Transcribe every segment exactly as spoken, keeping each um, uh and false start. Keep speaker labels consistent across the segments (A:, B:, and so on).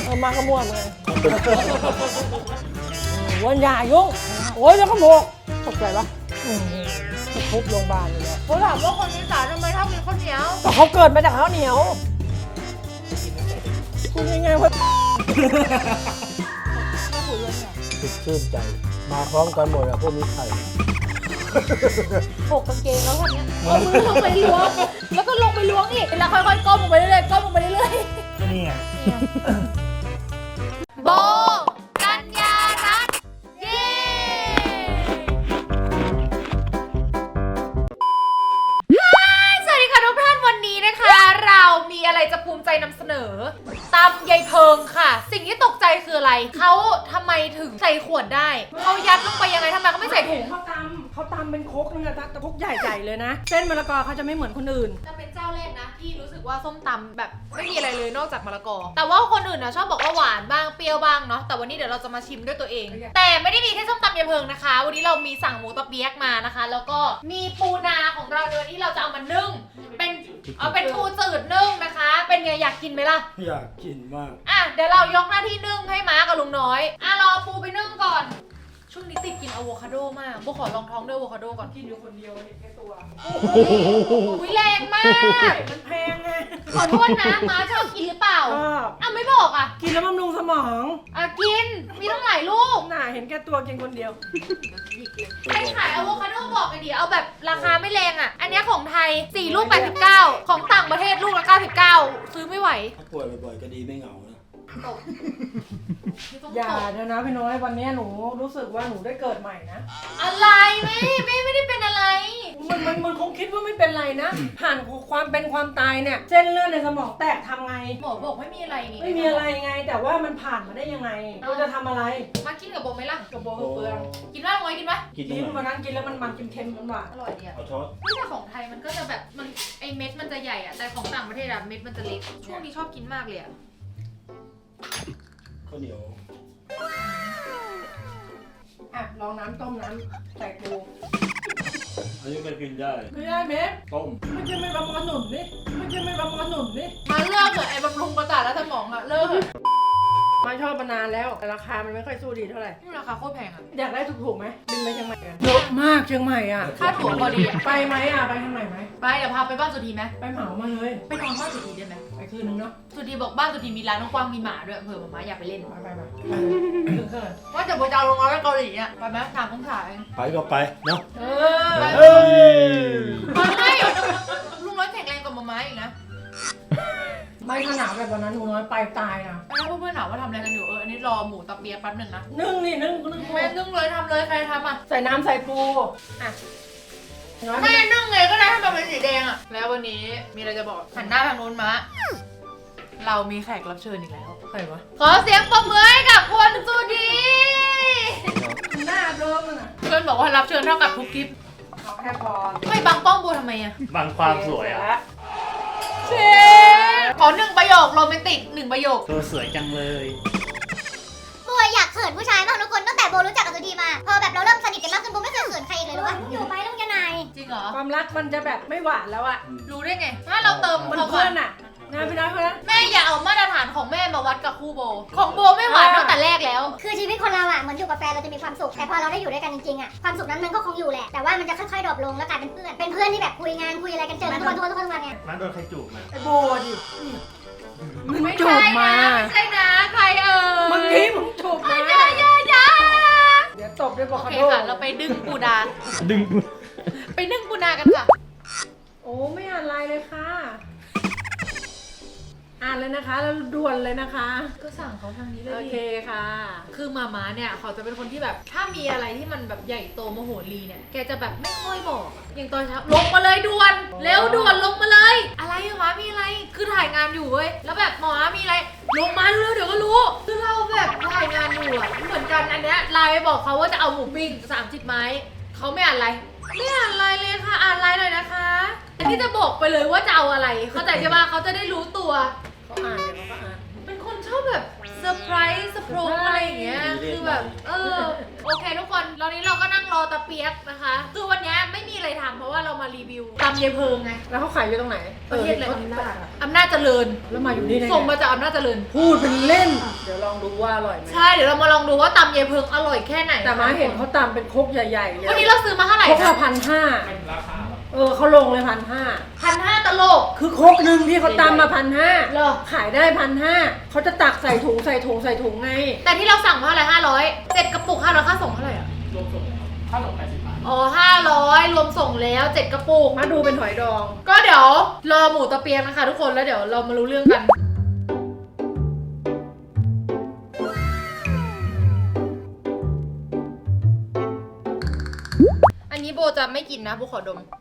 A: อมาขมวดเลยวันยายุ่งโอ้ยแล้วขโมกตกใจปะทุบโรงพยาบาลเลยเนี่ย
B: เขาถามว่าคนอีสานทำไมชอบกินข้าวเหนียว
A: แต่เขาเกิดมาจากข้าวเหนียวคุณยังไงวะติดชื่นใจมาพร้อมกันหมดอะพวกมีไข่
B: ปกกางเกงแล้วคนเนี้ยเอามือลงไปล้วงแล้วก็ลงไปล้วงอีกแล้วค่อยๆก้มลงไปเรื่อยๆก้มลงไปเรื่อย
C: นี่ไง
B: ๆโบกัญญารัตน์เย้สวัสดีค่ะทุกท่านวันนี้นะคะ เรามีอะไรจะภูมิใจนำเสนอตำยายเพิงค่ะ สิ่งที่ตกใจคืออะไรเขาทำไมถึงใส่ขวดได้เขายัดลงไปยังไงทำไมเขาไม่ใส่ถุง
A: เขาตำเขาตำเป็นครกนึงอะแต่ครกใหญ่ๆเลยนะเส้นมะละกอเขาจะไม่เหมือนคนอื่น
B: จะเป็นเจ้าแรกนะที่รู้สึกว่าส้มตำแบบไม่มีอะไรเลยนอกจากมะละกอแต่ว่าคนอื่นนะชอบบอกว่าหวานบ้างเปรี้ยวบ้างเนาะแต่วันนี้เดี๋ยวเราจะมาชิมด้วยตัวเอง แต่ไม่ได้มีแค่ส้มตำยายเพิงนะคะ วันนี้เรามีสั่งหมูตะเปี๊ยกมานะคะ แล้วก็มีปูนาของเราในวันนี้เราจะเอามานึ่งเป็นเอาเป็นปูจืดนึ่งนะคะ เป็นไงอยากกินไหมล่ะ
C: อยากกินมาก
B: อ่ะเดี๋ยวเรายกหน้าที่นึ่งให้ม้ากับลุงน้อยอ่ะรอปูไปนึ่งก่อนช่วงนี้ติดกินอะโวคาโดมากโบขอลองท้องด้วยอะโวคาโดก่อนกินอยู่คนเดียวเห็นแค่ตัวอุ้ยแรงมาก
A: มันแพงไง
B: ขอโทษนะม้าชอบกินหรือเปล่า
A: ก็
B: อ่ะไม่บอกอ่ะ
A: กินแล้วบำรุงสมอง
B: อ่ะกินมีตั้งหลายลูก
A: น่าเห็นแก่ตัวกินคนเดียว
B: ใครขายอะโวคาโดบอกกันดิเอาแบบราคาไม่แรงอ่ะอันนี้ของไทยสี่ลูกแปดสิบเก้าของต่างประเทศลูกละเก้าสิบเก้าซื้อไม่ไหว
C: ถ้าป่วยบ่อยๆก็ดีไม่เหงานะ
B: ตกต้อง
A: อย่า
B: ตก
A: เดี๋ยวนะพี่น้อยวันนี้หนูรู้สึกว่าหนูได้เกิดใหม่นะ
B: อะไรแม่แม่ไม่ได้เป็นอะไร
A: มันมันมันคงคิดว่าไม่เป็นไรนะผ่านความเป็นความตายเนี่ยเส้นเลือดในสมองแตกทำไง
B: หมอบอกไม่มีอะไรนี่
A: ไม่มีอะไรไง แต่ว่ามันผ่านมาได้ยังไงเราจะทำอะไร
B: มากินกับโบไหมล่ะ
A: กระโบกเปลือง
B: กินว่าไงกินปะ
C: กิน
A: กิน
C: ตรง
A: วัน
C: ไหน
A: นั้นกินแล้วมันมันเค็มๆหวาน
B: อร่อยดีอะ
C: เอาช้อน
B: ไม่แต่ของไทยมันก็จะแบบมันไอเม็ดมันจะใหญ่อะแต่ของต่างประเทศอะเม็ดมันจะเล็กช่วงนี้ชอบกินมากเลยอะ
C: ข้าวเหนียว
A: ๆอ่ะลองน้ำต้มน้ำใส่ปู
C: อันนี้ก็กินได้
A: ไม่ได้เม็ด
C: ต้ม
A: ไม่ใช่ไม่บำรุงหนุนนี่ไม่ใช่ไม่บำรุงหนุนนี่
B: มาเลิกเถอะไอบำรุงประสาทและสมองอะเลิกเถอะ
A: มาชอบมานานแล้วแต่ราคามันไม่ค่อยสู้ดีเท่าไหร่
B: นี่ราคาโคตรแพงอะ
A: อยากได้ถูกๆไหมบินไปเชียงใหม่กันเยอะมากเชียงใหม่อ่ะ
B: ค่าตั๋วพอดีอะ
A: ไปไหมอ่ะไปทางไหนไหม
B: ไปเดี๋ยวพาไปบ้านสุธีไหม
A: ไปเหมามาเลย
B: ไปนอนบ้านสุธีได้ไหม
A: ไปคืนนึงเนาะ
B: สุธีบอกบ้านสุธีมีร้านกว้างมีหมาด้วยเผื่อหมาม้าอยากไปเล่น
A: ไปไปไปคืนคืน
B: ว่าจะไปจะเอาลงมาไปเกาหลีอะไปไหมถามต้องถ่าย
C: ไปก็ไปเนาะ
A: เออ
C: เฮ้ย
B: ไม่ลุงน้อยแข็งแรงกว่าหมาม้าอีกนะ
A: ไม่ขนาดแบบวันนั้นหนูน้อยไปตายนะ
B: ไปแล้วเพื่อนๆถามว่าทำอะไรกันอยู่เอออันนี้รอหมูตะเปียกแป๊บหนึ่งนะ
A: นึ่งนี่นึ่งนึ่ง
B: แม่นึ่งเลยทำเลยใครทำอ่ะ
A: ใส่น้ำใส่ปูอ่ะน้อย
B: แม่นึ่งเลยก็ได้ให้มันเป็นสีแดงอ่ะแล้ววันนี้มีอะไรจะบอกหันหน้าทางนู้นมาเรามีแขกรับเชิญอีกแล้ว
A: ใครวะ
B: ขอเสียงปรบมือให้กับคนสุดี
A: หน้าเดิมอ่ะ
B: เพื่อนบอกว่ารับเชิญเท่ากับทุกคลิป
A: เอาแค่พอ
B: ไม่บังป้องบูทำไมอ่ะ
C: บางความสวยอ่ะ
B: เชฟขอหนึ่งประโยคโรแมนติกหนึ่งประโยค
C: ตัวสวยจังเลย
D: โบอยากเขินผู้ชายมากทุกคนตั้งแต่โบรู้จักกับสุธีมาพอแบบเราเริ่มสนิทกันมากขึ้นโบไม่เคยเขินใครอีกเลยรู้ป่ะอยู่ไปแล้วมึงจะนาย
B: จริงเหรอ
A: ความรักมันจะแบบไม่หวานแล้วอ่ะ
B: รู้ได้ไงถ้าเราเติม
A: มัน
B: ความห
A: เพื่
B: วา
A: อน นอ่ะนะพี่น้อยเพื่อน
B: แม่อย่าเอามาตรฐานของแม่มาวัดกับคู่โบ ของโบไม่หวานตั้งแต่แรกแล้ว
D: คือชีวิตคนเราอะเหมือนอยู่กับแฟนเราจะมีความสุขแต่พอเราได้อยู่ด้วยกันจริงๆอะความสุขนั้นมันก็คงอยู่แหละแต่ว่ามันจะค่อยๆดรอปลงแล้วกลายเป็นเพื่อนเป็นเพื่อนที่แบบคุยงานคุยอะไรกันเจอกันทุกวันทุกวันทุกวันทุกวันไง
C: มาโดนใครจูบมา
A: ไอ้โบดิมึง
B: ไม่
A: จู
B: ใช่
A: บมา
B: นะไม่ใช่นะใครเอ่ย
A: เมื่อกี้มึงจูบมา
B: อย่าอย่าอย่า
A: เดี๋ยวตบด้วยบอ
B: โอก
A: คา
B: เค
A: โด
B: ค่ะ เราไปดึงปูนา
C: ดึง
B: ไปนึ่งปูนากันค่ะ
A: โอ้ไม่อ่านไลน์เลยค่ะ อ่านเลยนะคะแล้วด่วนเลยนะคะ
B: ก็สั่งเขาทางนี้เลย
A: โอ
B: ดิ
A: เคค่ะ
B: คือมาม้าเนี่ยเขาจะเป็นคนที่แบบถ้ามีอะไรที่มันแบบใหญ่โตมโหรีเนี่ยแกจะแบบไม่ค่อยบอกอะอย่างตอนเช้าลงมาเลยด่วนเร็วด่วนลงมาเลย อะไรอะม้ามีอะไรคือถ่ายงานอยู่เว้ยแล้วแบบหมอม้ามีอะไรลงมาเร็วเดี๋ยวก็รู้คือเราแบบถ่ายงานอยู่อะเหมือนกันอันเนี้ยไลน์ไปบอกเขาว่าจะเอาหมูปิ้งสามสิบไม้เขาไม่อ่านไลน์ไม่อ่านไลน์เลยค่ะอ่านไลน์หน่อยนะคะอันนี้จะบอกไปเลยว่าจะเอาอะไรเข้าใจใช่ปะเขาจะได้รู้ตัว
A: เขาอ่านเดี๋ยวเขาก็อ่าน
B: เป็นคนชอบแบบเซอร์ไพรส์สโปรอะไรอย่างเงี้ย คือแบบ เออ โอเคทุกคน ตอนนี้เราก็นั่งรอตะเปียกนะคะ คือวันนี้ไม่มีอะไรทำเพราะว่าเรามารีวิวตำยายเพิงไง
A: แล้วเขาขายอยู่ตรงไหน
B: ประเทศอะไร
A: ออ
B: อำนาจอำนาจเจริญ
A: แล้วมาอยู่นี่ได้ไง
B: ส่งมาจากอำนาจเจริญ
A: พูดเป็นเล่น เดี๋ยวลองดูว่าอร่อยไหม
B: ใช่เดี๋ยวเรามาลองดูว่าตำยายเพิงอร่อยแค่ไหน
A: แต่มาเห็นเขาตำเป็นครกใหญ่ๆเลย
B: วันนี้เราซื้อมาเท่าไหร่
A: ครก
B: นะ
A: ละพันห้าเออเขาลงเลยพันห้า
B: พันห้าตลก
A: คือครกหนึ่งที่เขาตำมาพันห้า
B: เหรอ
A: ขายได้พันห้าเขาจะตักใส่ถุงใส่ถุงใส่ถุงไง
B: แต่ที่เราสั่งเท่าไหร่ห้าร้อยเจ็ดกระปุกห้าร้อยค่าส่งเท่าไหร่อ่ะ
C: รวมส่งค่าส่งแปดสิบบาท
B: อ๋อห้าร้อยรวมส่งแล้วเจ็ดกระปุก
A: มาดูเป็นหอยดอง
B: ก็เดี๋ยวรอหมูตะเปียงนะคะทุกคนแล้วเดี๋ยวเรามารู้เรื่องกัน อันนี้โบจะไม่กินนะโบขอดม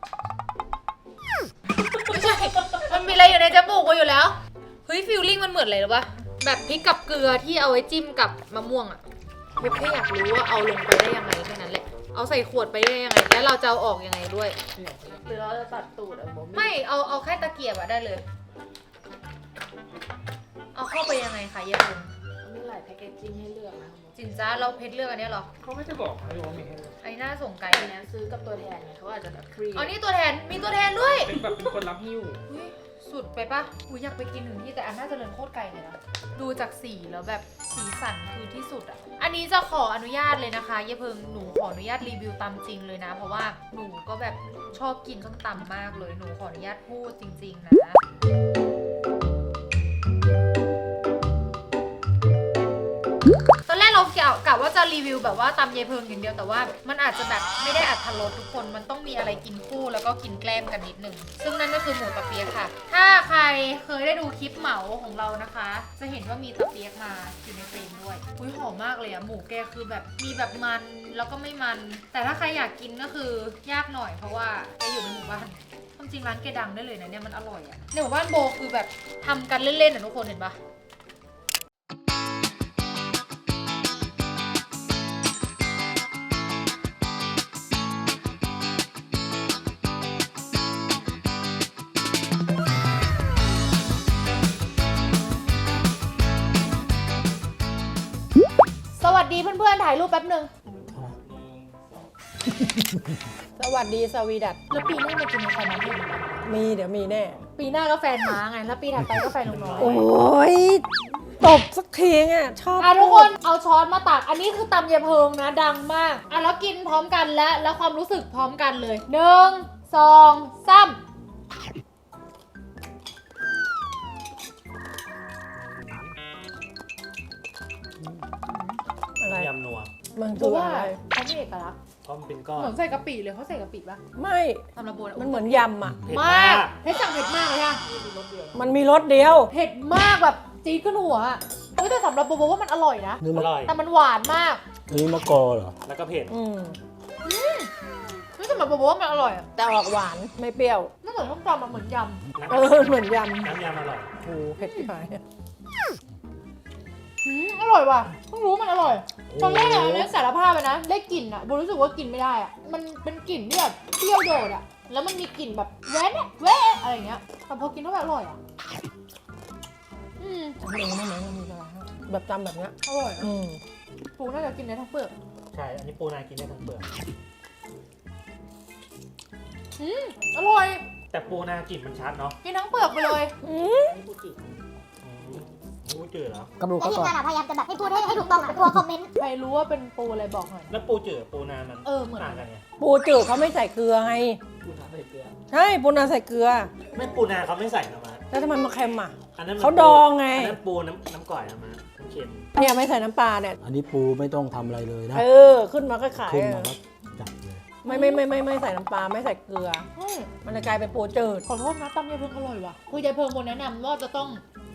B: ไม่ใช่ มันมีอะไรอยู่ในจมูกโบอยู่แล้ว เฮ้ยฟิลลิ่งมันเหมือนอะไรหรือปะแบบพริกกับเกลือที่เอาไว้จิ้มกับมะม่วงอะโบแค่อยากรู้ว่าเอาลงไปได้ยังไงแค่นั้นแหละ เอาใส่ขวดไปได้ยังไง แล้วเราจะเอาออกยังไงด้วย
E: หรือเราจะตัดตูดอะโม
B: ไม่ เอา เอาแค่ตะเกียบอะได้เลย เอาเข้าไปยังไงคะเยบุง
E: มีหลายแพคเกจจิ้งให้เลือกนะโม
B: จินจ้าเราเพชรเลือกอันเนี้ยเหรอ
C: เขาไม่ได้บอกให้ว่ามีให้เลย
B: ไอ้หน้าส่งไกล
E: อันเนี้ยซื้อกับตัวแทนไงเขาอาจจะแบบฟรี
B: อ๋อนี่ตัวแทน มีตัวแทนด้วย
C: เป็นแบบเป็นคนรับหิ้ว
B: อุ๊ยสุดไปปะอุ้ยอยากไปกินถึงที่แต่อันน่าจะเดินโคตรไกลเลยนะ ดูจากสีแล้วแบบสีสันคือที่สุดอ่ะ อันนี้จะขออนุญาตเลยนะคะเยเพิงหนูขออนุญาตรีวิวตำจริงเลยนะ เพราะว่าหนูก็แบบชอบกินส้มตำมากเลย หนูขออนุญาตพูดจริงๆนะ ตอนแรกเรากะกะว่าจะรีวิวแบบว่าตำยายเพิงอย่างเดียวแต่ว่ามันอาจจะแบบไม่ได้อัตรสทุกคนมันต้องมีอะไรกินคู่แล้วก็กินแกล้มกันนิดนึงซึ่งนั่นก็คือหมูตะเปี๊ยกค่ะ ถ้าใครเคยได้ดูคลิปเหมาของเรานะคะ จะเห็นว่ามีตะเปี๊ยกมาอยู่ในเฟรมด้วยอุ้ยหอมมากเลยอะหมูแกคือแบบมีแบบมันแล้วก็ไม่มัน แต่ถ้าใครอยากกินก็คือยากหน่อยเพราะว่าแกอยู่ในหมู่บ้านความจริงร้านแกดังได้เลยนะเนี่ยมันอร่อยอะในหมู่บ้านโบคือแบบทำกันเล่นๆอะทุกคนเห็นปะสวัสดีเพื่อนๆถ่ายรูปแป๊บหนึ่ง
A: สวัสดีสวีดัต
B: แล้วปีหน้ามันจะมีใครมาให้หนูบ้าง
A: มีเดี๋ยวมีแน่
B: ปีหน้าก็แฟนม้าไง แล้วปีถัดไปก็แฟนลุงน้อย
A: โอ้ยตบสักทีอ่ะชอบ
B: อ่ะทุกคนเอาช้อนมาตัก อันนี้คือตำยายเพิงนะ ดังมาก อ่ะแล้วกินพร้อมกันและแล้วความรู้สึกพร้อมกันเลยหนึ่งสองสาม
A: อะไร
C: ยำนัว
A: มัน
B: เพ
A: คือ
B: ราะว่า
A: อะไร
B: เขาไม่เอกลักษณ์
C: เพราะมันเป็นก้อน
B: เหมือนใส่กะปิเลยเขาใส่กะปิปะ
A: ไม่
B: สำหรับโบ
A: มันเหมือนยำอ่ะ
C: เผ็ด
B: มาม
C: าก ก
B: เผ็ดสั่งเผ็ดมากเลยค่ะ
A: มันมีรสเดียว
B: เผ็ดมากแบบจี๊ดขึ้นหัวอะเฮ้ยแต่สำหรับโบโบว่ามันอร่อยนะ
F: นี่
C: อ
F: มะ
C: ร่อย
B: แต่มันหวานมาก
F: นี่มะกอเหรอ
C: แล้วก็เผ็ด
A: อืม
B: เฮ้ยสำหรับโบโบว่ามันอร่อยอะ
A: แต่ออกหวานไม่เปรี้ยว
B: ไม่เหมือนส้มตำอะเหมือนยำ
A: เออเหมือนยำ
C: น้ำยำอร่อย
A: โอ้โหเผ็ดที่ไหน
B: อืมอร่อยว่ะเพิ่งรู้มันอร่อย ตอนแรกอะอันนี้สารภาพไปนะ ได้กลิ่นอะโบรู้สึกว่ากินไม่ได้อะมันเป็นกลิ่นที่แบบเปรี้ยวโดดอะแล้วมันมีกลิ่นแบบแว้นอะแว้อะไรอย่างเงี้ย แต่พอกินเข้าไปอร่อยอะอืม
A: ทำเองไม่เหมือนกันมีอะไรแบบจำแบบเนี้ย
B: อร่อยนะ
A: อืม
B: ปูน่าจะกินได้ทั้งเปลือก
C: ใช่ อันนี้ปูนากินได้ทั้งเปลือก
B: อืมอร่อย
C: แต่ปูนากลิ่นมันชัดเนาะ
B: กินทั้งเปลือกไปเลย
A: อืม
C: อันนี้ปูจืดอืมปูจืดเหรอ
F: กระดูก
D: ไอ้
F: เขา
D: ทีม
F: ก่อน
D: งานอะพยายามจะแบบให้พูดให้ให้ถูกต้องอะกลัวคอมเมนต์
B: ใครรู้ว่าเป็นปูอะไรบอกหน่อย
C: แล้วปูจืดกับปูนามัน
B: เออเหมือน
C: ต่างกันไง
A: ปูจืดเขาไม่ใส่เกลือไง
C: ปูนาใส่เกลือ
A: ใช่ปูนาใส่เกลือ
C: ไม่ปูนาเขาไม่ใส่นะมา
A: แล้วทำไมมาเค็มอ่ะ
C: อันนั้นมัน
A: เขาดองไง
C: อันนั้นปูน้ำน้ำก่อยนะมาน้ำเค็ม
A: เนี่ยไม่ใส่น้ำปลาเนี่ย
F: อันนี้ปูไม่ต้องทำอะไรเลยนะ
A: เออ ขึ้นมาก็ขาย
F: ขึ้น
A: อะ
F: มาก็จับเลย
A: ไม่ไม่ไม่ไม่ไม่ใส่น้ำปลาไม่ใส่เกลือ
B: อืม
A: มันจะกลายเป็นปูจืด
B: ขอโทษนะตำยายเพิงอร่อยว่ะคือยายเพิงคนแนะนำว่าจะต้อง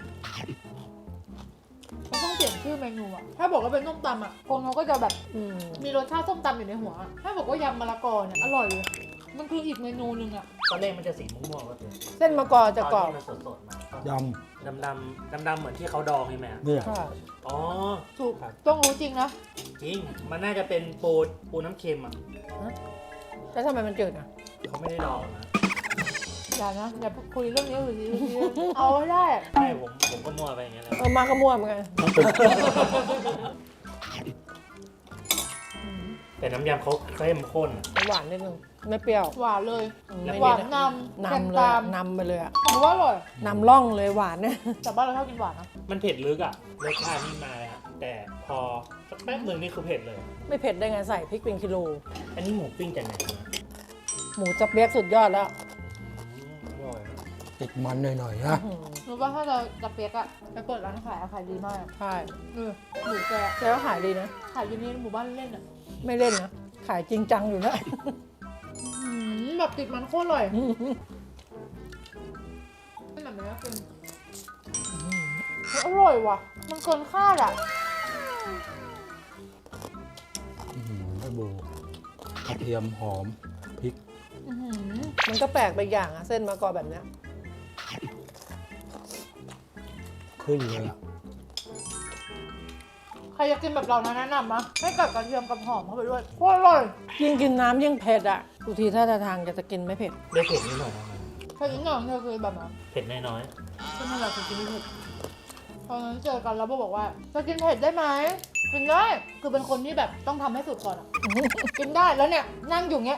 B: เขาต้องเปลี่ยนชื่อเมนูอะถ้าบอกว่าเป็นส้มตำอะคนเขาก็จะแบบ
A: อืม
B: มีรสชาติส้มตำอยู่ในหัวอะถ้าบอกว่ายำมะละกอเนี่ยอร่อยเลย มันคืออีกเมนูหนึ่งอะ
C: ตอนแรกมันจะสีม่วงๆก็คือ
A: เส้นมะกอจะกรอบ
C: ตอนที่มันสดๆมา
F: ย
C: ดำดำดำดำๆเหมือนที่เขาดองใช่ไหม
F: ำเนี่ย
A: ค่ะ
C: อ๋อ
B: ถูกต้องรู้จริงนะ
C: จริง มันน่าจะเป็นปูปูน้ำเค็มอ่ะ
A: แล้วทำไมมันจืดอ่ะ
C: เขาไม่ได้ดองนะ
B: อย่านะอย่าคุยเรื่องนี้หรือเอาให้ได้
C: ใช่ผมผมก็มั่วไปอย่างเงี้ยแหละ
A: เออมาก็มั่วเหมือนกัน
F: มันเป็น
B: อ
C: แต่น้ำยำเขาเข้มข้นอะ
A: หวานนิดนึงไม่เปรี้ยว
B: หวานเลย
C: แล้ว
B: หวานนำ
A: นำเลย
B: ตา
A: อะ
B: ม
A: นำไปเลยอะ
B: ผมว่าอร่อย
A: นำร่องเลยหวานเนี่ย
B: แต่บ้านเราชอบกินหวานนะ
C: มันเผ็ดลึกอ่ะรสชาตินี่มาเลยอะแต่พอสักแป๊บหนึ่งนี่คือเผ็ดเลย
A: ไม่เผ็ดได้ไงใส่พริกเป็นกิโล
C: อันนี้หมูปิ้งจากไหนมา
A: หมูจะเปียกสุดยอดแล้ว
C: อืมอร่อยอะ
F: ติดมันหน่อยๆนะ
A: อื้อหือ
B: รู้ว่าถ้าเราจะเปียกอะไปเปิดร้านขายอะขายดีมาก
A: ใช่
B: เออหมูแกะ
A: แกก็ขายดีนะ
B: ขายอยู่นี่หมู่บ้านเล่นอะ
A: ไม่เล่นนะ ขายจริงจังอยู่นะ
B: อืมแบบติดมันโคตรอร่อยไม่แบบนี้กินเฮ้ยอร่อยว่ะ มันเกินคาดอะ
F: อื้อหือไอ้โบกระเทียมหอมพริก
B: อื้อหือ
A: มันก็แปลกไปอย่างอะเส้นมะกอแบบเนี้ย
F: ขึ้นเลยอ่ะ
B: ใครอยากกินแบบเรานะแนะนำนะให้กับกระเทียมกับหอมเข้าไปด้วยโคตรอร่อย
A: ยิ่งกินน้ำยิ่งเผ็ดอะทุกทีถ้าทางจะจะกินไม่เผ็ด
C: ได้เผ็ดนิดหน่อยนะ
B: แค่นี้หน่อยเธอคือแบบนั้น
C: เผ็ดน้อย
B: ก็นั่นแหละคือกินไม่เผ็ดตอนนั้นเจอกันแล้วโบบอกว่าจะกินเผ็ดได้ไหมกินได้ คือเป็นคนที่แบบต้องทำให้สุดก่อนอะ กินได้แล้วเนี่ยนั่งอยู่เงี้ย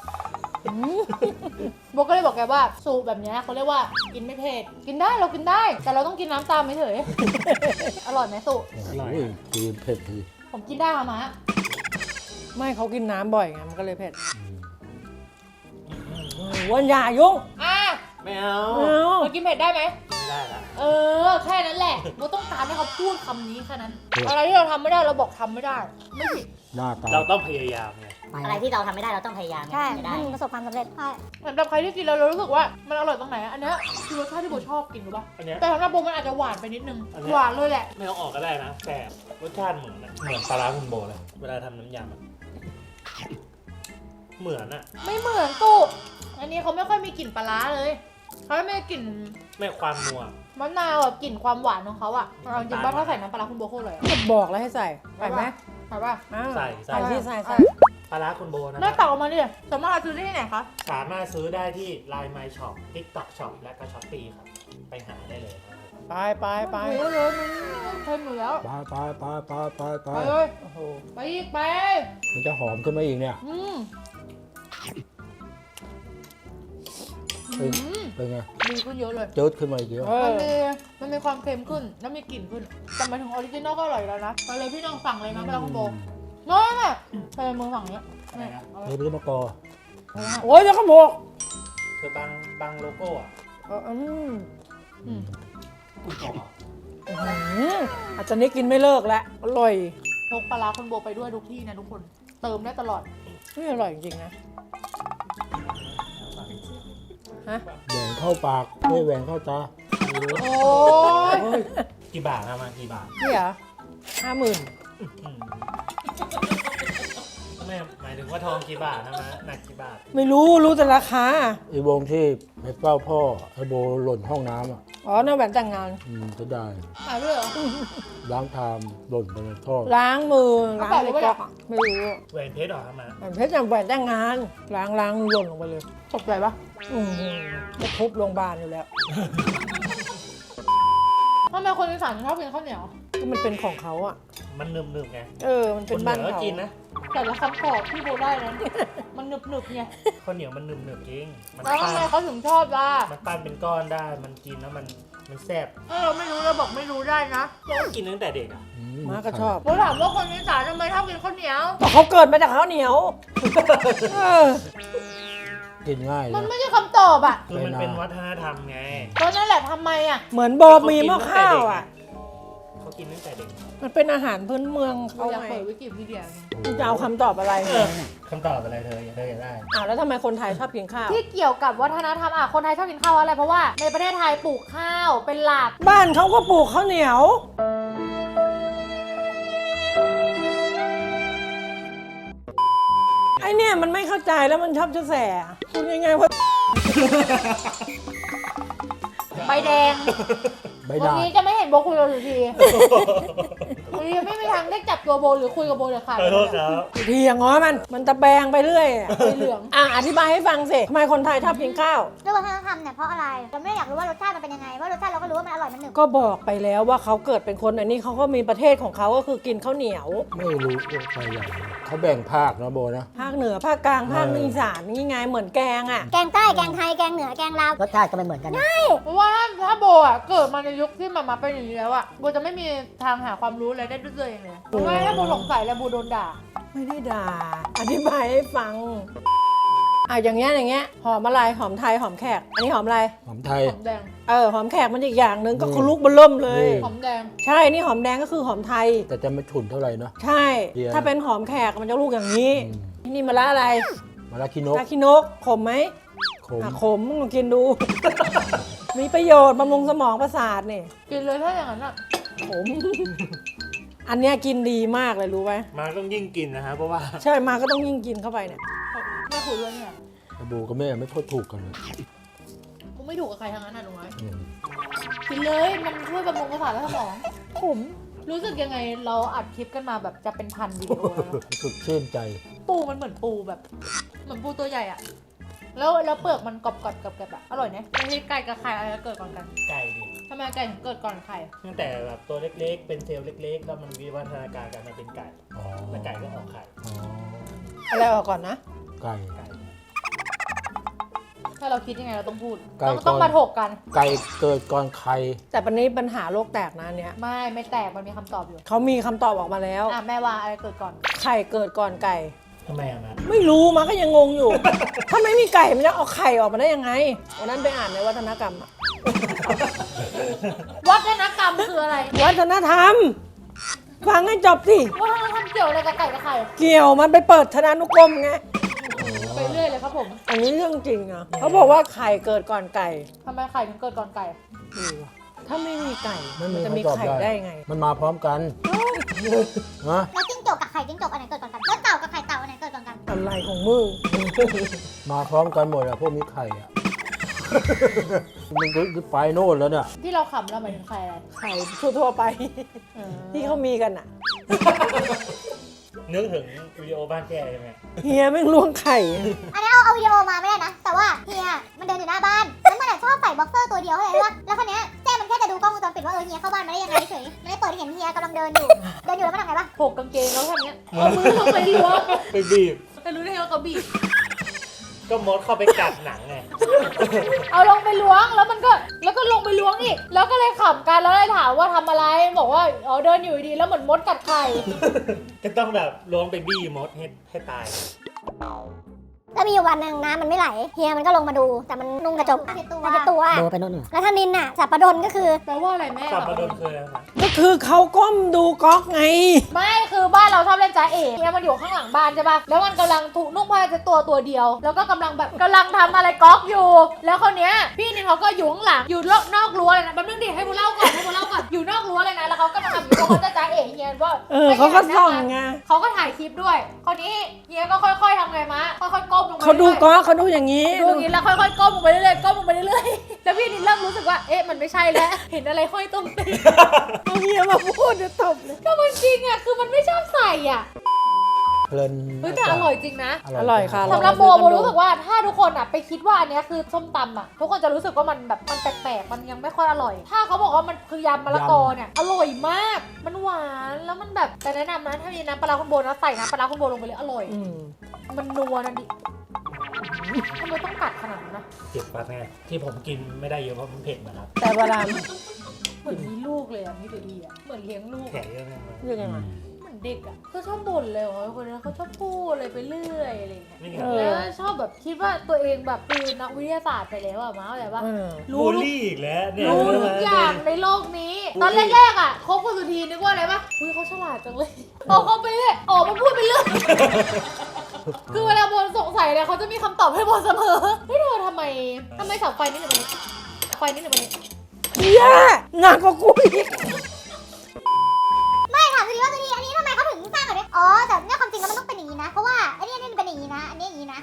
B: โบก็เลยบอกแกว่าสูตรแบบเนี้ยเขาเรียกว่ากินไม่เผ็ดกินได้เรากินได้ แต่เราต้องกินน้ำตามไม่เฉย อร่อยไหมสูตร
F: โอ้ยกินเผ็ดที
B: ผมกินได้ค่ะมะ
A: ไม่เขากินน้ำบ่อยไงมันก็เลยเผ็ด
F: อืม
A: เออวันอย่ายุ่ง
B: อ่ะ
C: ๆไม่เอา
A: เอา
B: เรากินเผ็ดได้ไหม
C: ไม่ได้ละ
B: เออแค่นั้นแหละโบต้องการให้เขาพูดคำนี้แค่นั้น อะไรที่เราทำไม่ได้เราบอกทำไม่ได้ ไม่ผิด
F: หน้าตา
C: เราต้องพยายามไง
D: อะไรที่เราทำไม่ได้เราต้องพยายาม
G: ใช่
D: จะได้
G: ให้มันประสบความสำเร็จ
D: ใช่
B: สำหรับใครที่กินแล้วเรารู้สึกว่ามันอร่อยตรงไหนอะอันเนี้ยคือรสชาติที่โบชอบกินรู้ป่ะ
C: อันเนี้ย
B: แต่สำหรับโบมันอาจจะหวานไปนิดนึง
C: อันเนี้ย
B: หวานเลยแหละ
C: ไม่เอาออกก็ได้นะแต่รสชาติเหมือนอะเหมือนปลาร้าคุณโบเลย เวลาทำน้ำยำอะเหมือนอะ
B: ไม่เหมือนตุอันนี้เขาไม่ค่อยมีกลิ่นปลาร้าเลยเขาไม่มีกลิ่น
C: ไม่ความนัว
B: มะนาวแบบกลิ่นความหวานของเขาอะเอาจริงป่ะถ้าใส่น้ำปลาร้าคุณโบโคตรเลยอะ
A: ก็บอกแล้วให้ใส่ใส่ไหม
B: ใส่ป่ะ
A: อ้าว
C: ใส่ใส่
A: ใส่ที่ใส่ใส่
C: ปลาร้าคุณโบนะ
B: หน้า
C: ค
B: ตั
C: รับ
B: กออกมาดิสามารถเอาซื้อได้ที่ไหนคะ
C: สามารถซื้อได้ที่ ไลน์ My Shop TikTok Shop และก็ Shopee ครับ ไปหาได้เลยครับ
A: ไปไปไป
B: ไปเลยมันเค็มอยู่แล้ว
F: ไปไปไปไปไปไป
B: ไปเลย
A: โอ้โห
B: ไปอีกไป
F: มันจะหอมขึ้นมาอีกเนี่ย
B: อืม
F: เป็น
B: อืม
F: เป็นไง
B: ดีขึ้นเยอะเลย
F: เจิดขึ้นมาอีกเยอะ
A: เอ
B: มัน
A: อ
B: มีมันมีความเค็มขึ้น แล้วมีกลิ่นขึ้น แต่หมายถึงออริจินอลก็อร่อยแล้วนะ ไปเลยพี่น้องสั่งเลยนะปลาคุณโบน้อยน่ะใช้มือฝั่งเนี้ยเนี่ยเอาไว้
F: นี่เป็นมะกอ
A: โอ้ยจะขโมก
C: คือบางบางโลโก้อะ
A: เอออืม
B: อืม
C: คุณบอกอะ
A: อื้อหืออาจจะนี้กินไม่เลิกแล้วอร่อย
B: พกปลาร้าคุณโบไปด้วยทุกที่นะทุกคน เติมได้ตลอด
A: นี่อร่อยจริงๆนะฮะ
F: แหวงเข้าปากไม่แหวงเข้าตา
B: โอ้ย
C: กี่บาทนะมากี่บาท
A: นี่เหรอห้าหมื่น
C: อืมไม่หมายถึงว่าทองกี่บาทนะมาหนักกี่บาท
A: ไม่รู้รู้แต่ราคา
F: ไอ้วงที่ไปเฝ้าพ่อไอ้โบหล่นห้องน้ำอ่ะ
A: อ๋อน่าแหวนแต่งงาน
F: อืมจะได้
B: หายด้วยเหรอ
F: ล้างชามหล่นไปในท่อ
A: ล้างมือ
B: เอา
A: ล้าง
B: แปะ
A: ใน
B: ไว้
A: ก๊
B: ปะ
A: อกอะไม่รู้
C: แหวนเพชรเหรอครับมา
A: แหวนเพชรอย่างแหวนแต่งงาน ล้างล้างหล่นลงไปเลย
B: ตกใจปะ
A: อือหือจะทุบโรงพยาบาลอยู่แล้ว
B: ทำไมคนอีสานถึงชอบกินข้าวเหนียว
A: ก็มันเป็นของเขาอ่ะ
C: มันหนึบหนึบๆไง
A: เออ มัน
C: ค
A: เป็น
C: นเห
A: บ้าน
C: นือก็
A: เขา
C: กินนะ
B: แต่ละคำตอบที่โบได้นั้นมันหนึบหนึบๆไง
C: ข้าวเหนียวมันหนึบหนึบๆจริง มัน
B: แล้ว
C: ปั้
B: ทำไม
C: น
B: เขาถึงชอบล่ะ
C: มันปั้นเป็นก้อนได้ มันกินแล้วมันมันแซ่บ
B: ถ้าเราไม่รู้เราบอกไม่รู้ได้นะ
C: เราก็กินตั้งแต่เด็กอ่ะ
F: อื
A: มาก็ชอบ
B: โบถามว่าคนอีสานทำไมชอบกินข้าวเหนียว
A: แต่เขาเกิดมาจากข้าวเหนียว เออ
F: กินง่าย
B: มัน
F: นะ
B: ไม่ใช่คำตอบอ่ะ
C: คือมันเป็นวัฒนธรรมไง
B: ก็นั่นแหละทำไมอ่ะ
A: เหมือนโบมีหม้อข้าวอ่ะ
C: เขากินตั้งแต่เด็ก
A: มันเป็นอาหารพื้นเมือง
B: เขา
A: เขา
B: อยาก
A: ไง
B: เปิดวิกิพีเดียไง
A: คุณจะเอาคำตอบอะไร
C: เออคำตอบอะไรเธอเธออยากได้
A: อ่าแล้วทำไมคนไทยชอบกินข้าว
B: ที่เกี่ยวกับวัฒนธรรมอ่ะคนไทยชอบกินข้าวอะไรเพราะว่าในประเทศไทยปลูกข้าวเป็นหลัก
A: บ้านเขาก็ปลูกข้าวเหนียว ไอเนี่ยมันไม่เข้าใจแล้วมันชอบจะแสคุณยังไงวะ
B: ใบแดง
F: อใบ
B: วัน
F: ด่าง
B: นี้จะไม่เห็นโบคุยกับสุธีวันนี้ไม่มีทางได้จับตัวโบหรือคุยกับโบเด็ดขาด
C: ขอโทษครับ
A: เทียงง้อมัน มันตะแบงไปเรื่อยอะ
B: สีเหลือง
A: อ่ะอธิบายให้ฟังสิทำไมคนไทยชอบกินข้าว
D: ด้วยวัฒนธรรมเนี่ยเพราะอะไร เราไม่ได้อยากรู้ว่ารสชาติมันเป็นยังไง ว่ารสชาติเราก็รู้ว่ามันอร่อยมันหนึบ
A: ก็บอกไปแล้วว่าเขาเกิดเป็นคนอันนี้เขาก็มีประเทศของเขาก็คือกินข้าวเหนียว
F: ไม่รู้ว่าใครใหญ่เขาแบ่งภาคนะโบนะ
A: ภาคเหนือภาคกลางภาค
F: เออ
A: อีสานนี่ไงเหมือนแกงอ่ะ
D: แกงใต้ แกงไทย แกงเหนือ แกงลาว
G: รสชาติก็ไม่เหมือนกันนะ
B: เพราะว่าถ้าโบอ่ะเกิดมาในยุคที่มามาเป็นอย่างนี้แล้วอ่ะโบจะไม่มีทางหาความรู้อะไรได้ด้วยตัวเองเลยเพราะว่าถ้าโบสงสัยแล้วโบโดนด่า
A: ไม่ได้ด่า อธิบายให้ฟัง อ่ะอย่างเงี้ยอย่างเงี้ยหอมอะไรหอมไทยหอมแขก อันนี้หอมอะไร
F: หอมไทย
B: หอมแดง
A: เออหอมแขกมันอีกอย่างหนึ่งก็
F: อืม
A: คือลูกเบลเริ่มเลย
F: อืม
B: หอมแดง
A: ใช่ นี่หอมแดงก็คือหอมไทย
F: แต่จะไม่ฉุนเท่าไหร่เนาะ
A: ใช่
F: เดียว
A: ถ้าเป็นหอมแขกมันจะลูกอย่างนี้
F: อืม
A: ที่นี่มะละอะไร
F: มะระคินก
A: ตาคินกขมไหม
F: ขม
A: อ่ะขมลองกินดู มีประโยชน์บำรุงสมองประสาทนี่
B: กินเลยถ้าอย่างนั้นอ่ะ
A: ขม อันเนี้ยกินดีมากเลยรู้ไหม
C: มาต้องยิ่งกินนะฮะเพราะว่า
A: ใช่มาก็ต้องยิ่งกินเข้าไปเนี่ย
B: ไม่คุยด้วยเนี่ย
F: แต่โบกับแม่ไม่ค่อยถูกกันเลย
B: กูไม่ถูกกับใครทั้งนั้นอ่ะหนูน้อย
F: อืม
B: กินเลยมันช่วยบำรุงประสาทและสมองผมรู้สึกยังไงเราอัดคลิปกันมาแบบจะเป็นพันวิดีโอแล้ว
F: รู้สึกชื่นใจ
B: ปูมันเหมือนปูแบบ เหมือนปูตัวใหญ่อะแล้วแล้วเปลือกมันกรอบกรอบกับกับอะอร่อยนะไม่ใช่ไก่กับไข่อะไรเกิดก่อนกัน
C: ไก่ดิ
B: ทำไมไก่ถึงเกิดก่อนไข่
C: ตั้งแต่แบบตัวเล็กๆ เป็นเซลล์เล็กๆ แล้วมันวิวัฒนาการกันมาเป็นไก่
F: อ๋อ
C: แล้วไก่ก็ออกไข่
F: อ๋อ
A: อะไรออกก่อนนะ
F: ไก่
C: ไก่
B: ถ้าเราคิดยังไงเราต้องพูด
F: ไก่
B: ต้อง
F: ก่อน
B: ต้องมาถกกัน
F: ไก่เกิดก่อนไข่
A: แต่ปันนี้ปัญหาโลกแตกนะอันเนี้ย
B: ไม่ไม่แตกมันมีคำตอบอยู่
A: เขามีคำตอบออกมาแล้ว
B: อ่ะแม่ว่าอะไรเกิดก่อน
A: ไข่เกิดก่อนไก่
C: ทำไมอะนะ
A: ไม่รู้มาก็ยังงงอยู่ ถ้าไม่มีไก่มันจะเอาไข่ออกมาได้ยังไงวันนั้นไปอ่านในวัฒนกรรมอะ
B: วัฒนกรรมคืออะไร
A: วัฒนธรรม ฟังให้จบสิ
B: วัฒนธรรมเกี่ยวอะไรกับไก่กับไข่
A: เกี่ยวมันไปเปิดธนานุกรมไง
B: ไปเรื่อยเลยครับผม
A: อันนี้เรื่องจริงอ่ะเขาบอกว่าไข่เกิดก่อนไก่
B: ทำไมไข่ถึงเกิดก่อนไก่
A: เออถ้าไม่มีไก่
F: ไม่
A: มั
F: มี
A: นจะ
F: ใคร
A: มี
F: ตอบ
A: ไข่
F: ได้
A: ได้ไง
F: มันมาพร้อมกันฮะ
D: แล้วจิ้งจกกับไข่จิ้งจกอันไหนเกิดก่อนกัน แล้วเต่ากับไข่เต่าอันไหนเกิดก่อนกัน
A: อะไรของมึง
F: มาพร้อมกันหมดอะพวกมีไข่อะมันก็ไปโน่นแล้วเนี่ย
B: ที่เราขำเราหมายถึงไข่อะไร
A: ไข่ทั่วๆไป
B: เออ
A: ที่เขามีกันอ่ะ
C: นึกถึงวิดีโอบ้านแกใช่ไหม
A: เฮียแม่งล้วงไข่
D: อันนี้เอาเอาวิดีโอมาไม่ได้นะ แต่ว่าเฮียมันเดินอยู่หน้าบ้าน แล้วมันอะชอบใส่บ็อกเซอร์ตัวเดียวเลยว่าแล้วคนเนี้ยแจ้มันแค่จะดูกล้องวงจรปิดว่าเออเฮียเข้าบ้านมาได้ยังไงเฉยไม่ได้เปิดให้เห็นเฮียกำลังเดินอยู่ เดินอยู่แล้วมันทำไงปะ
B: ถกกางเกงแล้วทำเนี้ยเอามือลงไปล้วง
C: ไปบีบ
B: แต่รู้ได้ไงว่าเขาบีบ
C: ก็มดเข้าไปกัดหนังไง
B: เอาลงไปล้วงแล้วมันก็แล้วก็ลงไปล้วงอีกแล้วก็เลยขำกันแล้วเลยถามว่าทำอะไรบอกว่าอ๋อเดินอยู่ดีๆแล้วเหมือนมดกัดไข่
C: ก็ต้องแบบล้วงไปบี้มดให้ให้ตาย
D: แล้วมีอยู่วันหนึ่งน้ำมันไม่ไหล เฮียมันก็ลงมาดู แต่มันนุ่งกระจกผ้าเช็ดตัว
G: โบไปโน่น
D: แล้วท่านินน่ะสับปะดนก็คือ
B: แปลว่าอะไรแม่
C: สับปะรดคืออะไรนะ
A: ก็คือเขาก้มดูก๊อกไง
B: ไม่คือบ้านเราชอบเล่นจ้าเอ๋เนี่ยมันอยู่ข้างหลังบ้านใช่ปะแล้วมันกำลังถูกนุ่งผ้าเช็ดตัวตัวเดียว แล้วก็กำลังแบบกำลังทำอะไรก๊อกอยู่ แล้วคนเนี้ยพี่นินเขาก็อยู่ข้างหลังอยู่นอกรั้วเลยนะแป๊บนึงดิให้กูเล่าก่อนให้กูเล่าก่อนอยู่นอกรั้วเลยนะแล้วเขาก็มาทำอยู่เพราะเขาจะจ้าเอ๋เฮียว่า
A: เออเขาก็ส่องไง
B: เขาก็ถ่ายคลิปด้วยคนนี้เฮียก็ค่อยๆทำไงมะค่อยๆก้มลงไป
A: เขาดู
B: รื่อยๆ
A: ก๊อกเขาดูอย่างนี้
B: ดูอย่างนี้แล้วค่อยๆก้มลงไปเรื่อยๆก้มลงไปเรื่อยๆแล้วพี่นินเริ่มรู้สึกว่าเอ๊ะมันไม่ใช่แล้ว เห็นอะไรห้อยตรงตีน
A: เอาเฮียมาพูดจะตบเลย
B: ก็มันจริงอ่ะคือมันไม่ชอบใส่อ่ะ
F: เพลิน
B: เฮ้ยแต่อร่อยจริงนะ
A: อร่อยค่ะ
B: สำหรับโบโบรู้สึกว่าถ้าทุกคนอ่ะไปคิดว่าอันเนี้ยคือส้มตำอ่ะทุกคนจะรู้สึกว่ามันแบบมันแปลกๆมันยังไม่ค่อยอร่อย ถ้าเขาบอกว่ามันคือยำมะละกอเนี่ยอร่อยมาก มันหวานแล้วมันแบบแต่แนะนำนะถ้ามีน้ำปลาร้าคุณโบนะใส่น้ำปลาร้าคุณโบลงไปเลยอร่อย
A: อืม
B: มันนัวนั่นดิทำไมต้องกัดขนาดนั้นนะ
C: เจ็บปากไงที่ผมกินไม่ได้เยอะเพราะมันเผ็ดนะครับ
A: แต่เวลา
B: เหมือนมีลูกเลยอ่ะนี่เดี๋ยวดีอ่ะเหมือนเลี้ยงลูก
C: แผลเยอะไหมครับ
A: เรื่องยังไง
B: เหมือนเด็กอ่ะเขาชอบบ่นเลยว่าคนนั้นเขาชอบพูดอะไรไปเรื่อยอะไรอย่างเงี้ย
C: นี่ไง
A: เออ
B: แล้วชอบแบบคิดว่าตัวเองแบบคือนักวิทยาศาสตร์ไปแล้วอะมาเข้าใจปะ
A: เออ
B: รู้
C: บูล
B: ทุก
C: ลี่อีกแล้วเนี่ย
B: รู้
C: เรื่
B: ทุก
C: นี้
B: อย่างในโลกนี้ ตอนแรกๆอะคบกับสุธีนึกว่าอะไรปะอุ้ยเขาฉลาดจังเลยพอเขาไปเรื่อยออกมาพูดไปเรื่อยคือเวลาโบนสงสัยเนี่ยเขาจะมีคำตอบให้โบนเสมอเฮ้ยเธอทำไมทำไมเสาไฟนี่หนึ่งมันนี้ไฟนี่หนึ่งมันนี้
A: เฮียหนักกว่ากูอีก
D: ไม่ถามสุดีว่าสุดีอันนี้ทำไมเขาถึงสร้างแบบนี้อ๋อ แต่เนี่ยความจริงแล้วมันต้องเป็นอย่างนี้นะ เพราะว่าอันนี้อันนี้มันเป็นอย่างนี้นะ อันนี้อย่างนี้นะ
B: แล้วมี